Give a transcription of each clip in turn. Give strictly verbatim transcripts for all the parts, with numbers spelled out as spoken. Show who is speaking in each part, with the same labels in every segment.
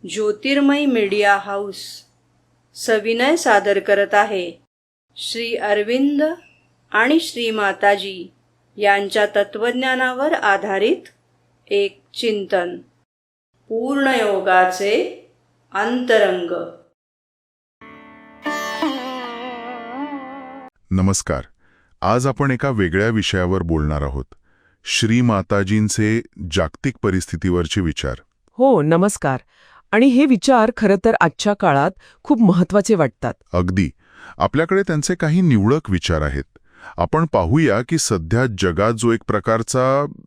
Speaker 1: ज्योतिर्मय media house सविनय सादर करत आहे श्री अरविंद आणि श्री माताजी यांच्या तत्वज्ञानावर आधारित एक चिंतन, पूर्णयोगाचे अंतरंग.
Speaker 2: नमस्कार. आज आपण एका वेगळ्या विषयावर बोलणार आहोत. श्री माताजींचे जागतिक परिस्थितीवरचे विचार.
Speaker 3: हो, नमस्कार. आणि हे विचार खरं तर आजच्या काळात खूप महत्वाचे वाटतात.
Speaker 2: अगदी. आपल्याकडे त्यांचे काही निवडक विचार आहेत. आपण पाहूया की सध्या जगात जो एक प्रकारचा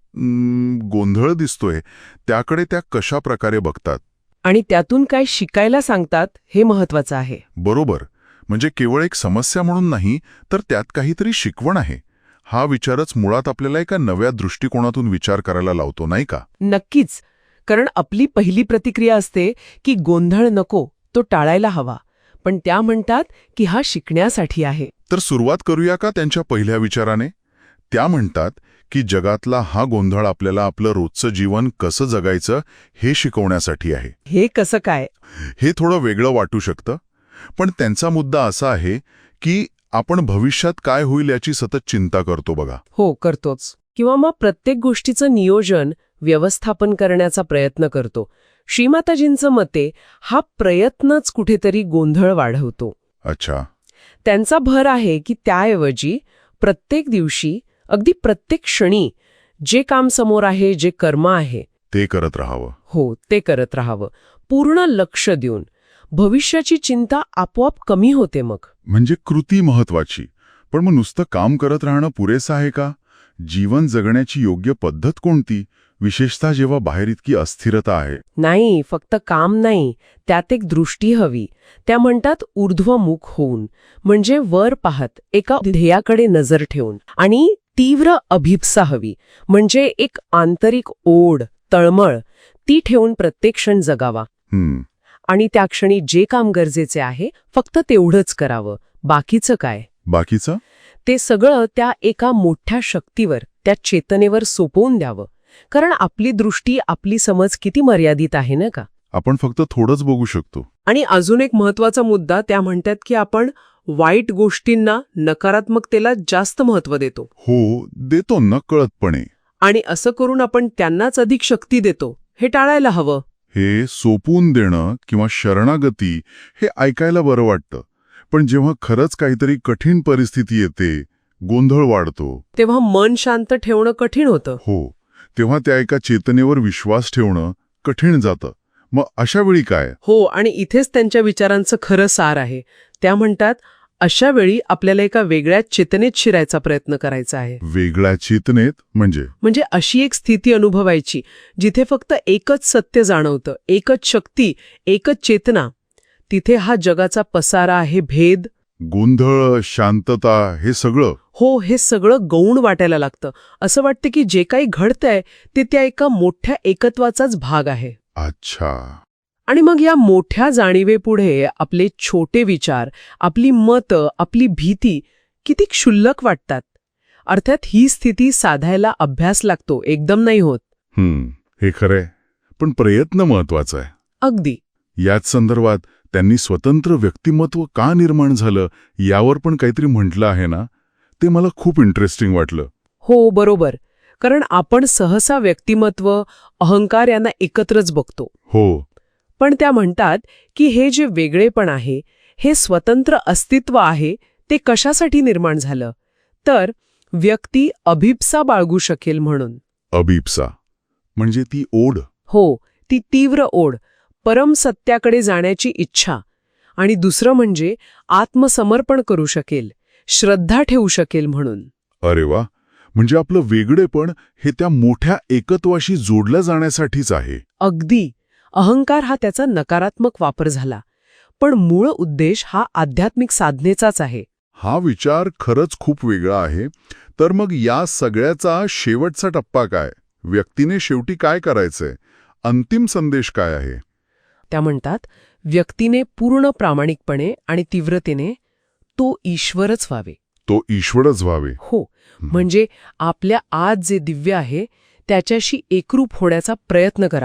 Speaker 2: म, गोंधळ दिसतोय त्याकडे त्या कशा प्रकारे बघतात
Speaker 3: आणि त्यातून काय शिकायला सांगतात हे महत्वाचं आहे.
Speaker 2: बरोबर. म्हणजे केवळ एक समस्या म्हणून नाही, तर त्यात काहीतरी शिकवण आहे. हा विचारच मुळात आपल्याला एका नव्या दृष्टिकोनातून विचार करायला लावतो, नाही का?
Speaker 3: नक्कीच. कारण आपली पहिली प्रतिक्रिया असते की गोंधळ नको, तो टाळायला हवा. पण त्या म्हणतात की हा शिकण्यासाठी आहे.
Speaker 2: तर सुरुवात करूया का त्यांच्या पहिल्या विचाराने? त्या म्हणतात की जगातला हा गोंधळ आपल्याला आपलं रोजचं जीवन कसं जगायचं हे शिकवण्यासाठी आहे.
Speaker 3: हे कसं काय?
Speaker 2: हे थोडं वेगळं वाटू शकतं, पण त्यांचा मुद्दा असा आहे की आपण भविष्यात काय होईल याची सतत चिंता करतो बघा.
Speaker 3: हो, करतोच. किंवा मग प्रत्येक गोष्टीचं नियोजन, व्यवस्थापन करण्याचा प्रयत्न करतो. श्रीमाताजींचं मते हा प्रयत्नच कुठेतरी गोंधळ वाढवतो.
Speaker 2: अच्छा.
Speaker 3: त्यांचा भर आहे की त्याऐवजी प्रत्येक दिवशी, अगदी प्रत्येक क्षणी जे काम समोर आहे, जे कर्म आहे
Speaker 2: ते करत राहावं.
Speaker 3: हो, ते करत राहावं, पूर्ण लक्ष देऊन. भविष्याची चिंता आपोआप कमी होते मग.
Speaker 2: म्हणजे कृती महत्वाची. पण मग नुसतं काम करत राहणं पुरेसं आहे का? जीवन जगण्याची योग्य पद्धत कोणती, विशेषतः जेव्हा बाहेर इतकी अस्थिरता आहे?
Speaker 3: नाही, फक्त काम नाही, त्यात एक दृष्टी हवी. त्या म्हणतात ऊर्ध्वमुख होऊन, म्हणजे वर पाहत, एका ध्येयाकडे नजर ठेवून. आणि तीव्र अभिप्सा हवी, म्हणजे एक आंतरिक ओढ, तळमळ, ती ठेवून प्रत्येक क्षण जगावा.
Speaker 2: हम्म.
Speaker 3: आणि त्या क्षणी जे काम गरजेचे आहे फक्त तेवढंच करावं. बाकीचं काय?
Speaker 2: बाकीचं
Speaker 3: ते सगळं त्या एका मोठ्या शक्तीवर, त्या चेतनेवर सोपवून द्यावं. कारण आपली दृष्टी, आपली समज किती मर्यादित आहे ना का?
Speaker 2: आपण फक्त थोडंच बघू शकतो.
Speaker 3: आणि अजून एक महत्वाचा मुद्दा, त्या म्हणतात की आपण वाईट गोष्टींना, नकारात्मकतेला जास्त महत्त्व देतो.
Speaker 2: हो, देतो नकळतपणे.
Speaker 3: आणि असं करून आपण त्यांनाच अधिक शक्ती देतो. हे टाळायला हवं.
Speaker 2: हे सोपवून देणं किंवा शरणागती हे ऐकायला बरं वाटतं, पण जेव्हा खरंच काहीतरी कठीण परिस्थिती येते, गोंधळ वाढतो,
Speaker 3: तेव्हा मन शांत ठेवणं कठीण होतं.
Speaker 2: हो, तेव्हा त्या एका चेतनेवर विश्वास ठेवणं कठीण जातं. मग अशा वेळी काय?
Speaker 3: हो, आणि इथेच त्यांच्या विचारांचं खरं सार आहे. त्या म्हणतात अशा वेळी आपल्याला एका वेगळ्या चेतनेत शिरायचा प्रयत्न करायचा आहे.
Speaker 2: वेगळ्या चेतनेत म्हणजे?
Speaker 3: म्हणजे अशी एक स्थिती अनुभवायची जिथे फक्त एकच सत्य जाणवतं, एकच शक्ती, एकच चेतना. तिथे हा जगाचा पसारा आहे, भेद,
Speaker 2: गोंधळ, शांतता, हे सगळं.
Speaker 3: हो, हे सगळं गौण वाटायला लागतं. असं वाटतं की जे काही घडतंय ते त्या एका मोठ्या एकत्वाचाच भाग आहे.
Speaker 2: अच्छा.
Speaker 3: आणि मग या मोठ्या जाणीवेपुढे आपले छोटे विचार, आपली मतं, आपली भीती किती क्षुल्लक वाटतात. अर्थात ही स्थिती साधायला अभ्यास लागतो, एकदम नाही होत.
Speaker 2: हम्म, हे खरंय. पण प्रयत्न महत्वाचा आहे.
Speaker 3: अगदी.
Speaker 2: याच संदर्भात त्यांनी स्वतंत्र व्यक्तिमत्व का निर्माण झालं यावर पण काहीतरी म्हटलं आहे ना, ते मला खूप इंटरेस्टिंग वाटलं.
Speaker 3: हो, बरोबर. कारण आपण सहसा व्यक्तिमत्व, अहंकार यांना एकत्रच बघतो.
Speaker 2: हो.
Speaker 3: पण त्या म्हणतात की हे जे वेगळेपण आहे, हे स्वतंत्र अस्तित्व आहे, ते कशासाठी निर्माण झालं? तर व्यक्ती अभिप्सा बाळगू शकेल म्हणून.
Speaker 2: अभिप्सा म्हणजे ती ओढ?
Speaker 3: हो, ती तीव्र ओढ, परमसत्याकडे जाण्याची इच्छा. आणि दुसरं म्हणजे आत्मसमर्पण करू शकेल, श्रद्धा ठेवू शकेल म्हणून.
Speaker 2: अरे वा. म्हणजे आपलं वेगळेपण हे त्या मोठ्या एकत्वाशी जोडलं जाण्यासाठीच आहे.
Speaker 3: अगदी. अहंकार हा त्याचा नकारात्मक वापर झाला, पण मूळ उद्देश हा आध्यात्मिक साधनेचाच आहे.
Speaker 2: हा विचार खरंच खूप वेगळा आहे. तर मग या सगळ्याचा शेवटचा टप्पा काय? व्यक्तीने शेवटी काय करायचंय? अंतिम संदेश काय आहे?
Speaker 3: त्या म्हणतात व्यक्तीने पूर्ण प्रामाणिकपणे आणि तीव्रतेने तो ईश्वरच व्हावे.
Speaker 2: तो ईश्वरच व्हावे.
Speaker 3: हो, म्हणजे आपल्या आत जे दिव्य आहे त्याच्याशी एकरूप होण्याचा प्रयत्न करावा.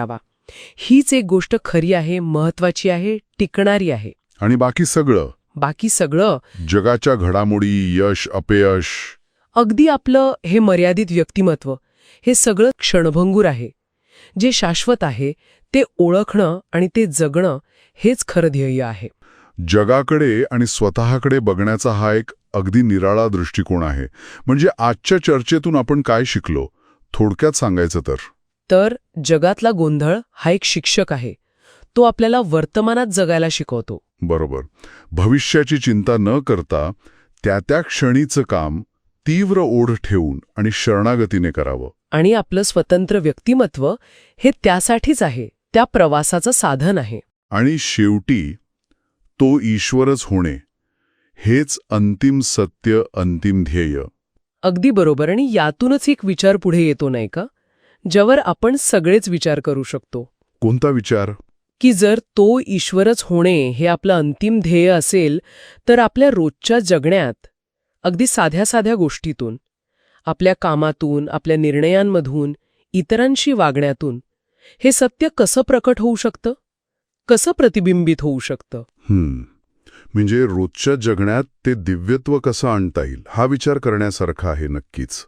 Speaker 3: हीच एक गोष्ट खरी आहे, महत्वाची आहे, टिकणारी आहे.
Speaker 2: आणि बाकी सगळं,
Speaker 3: बाकी सगळं,
Speaker 2: जगाच्या घडामोडी, यश, अपयश,
Speaker 3: अगदी आपलं हे मर्यादित व्यक्तिमत्व, हे सगळं क्षणभंगूर आहे. जे शाश्वत आहे ते ओळखणं आणि ते जगणं हेच खरं ध्येय आहे.
Speaker 2: जगाकडे आणि स्वतःकडे बघण्याचा हा एक अगदी निराळा दृष्टिकोन आहे. म्हणजे आजच्या चर्चेतून आपण काय शिकलो? थोडक्यात सांगायचं तर
Speaker 3: तर जगातला गोंधळ हा एक शिक्षक आहे. तो आपल्याला वर्तमानात जगायला शिकवतो.
Speaker 2: बरोबर. भविष्याची चिंता न करता त्या त्या क्षणीचं काम तीव्र ओढ ठेवून आणि शरणागतीने करावं.
Speaker 3: आणि आपलं स्वतंत्र व्यक्तिमत्व हे त्यासाठीच आहे, त्या प्रवासाचं साधन आहे.
Speaker 2: आणि शेवटी तो ईश्वरच होणे हेच अंतिम सत्य, अंतिम ध्येय.
Speaker 3: अगदी बरोबर. आणि यातूनच एक विचार पुढे येतो नाही का, ज्यावर आपण सगळेच विचार करू शकतो.
Speaker 2: कोणता विचार?
Speaker 3: की जर तो ईश्वरच होणे हे आपलं अंतिम ध्येय असेल, तर आपल्या रोजच्या जगण्यात अगदी साध्या साध्या गोष्टीतून, आपल्या कामातून, आपल्या निर्णयांमधून, इतरांशी वागण्यातून हे सत्य कसं प्रकट होऊ शकतं, कसं प्रतिबिंबित होऊ शकतं?
Speaker 2: हम्म म्हणजे रोजच्या जगण्यात ते दिव्यत्व कसं आणता येईल हा विचार करण्यासारखा आहे नक्कीच.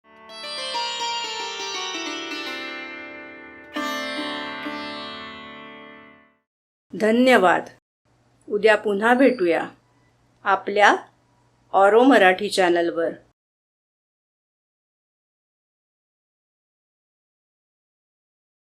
Speaker 1: धन्यवाद. उद्या पुन्हा भेटूया आपल्या ऑरो मराठी चॅनलवर.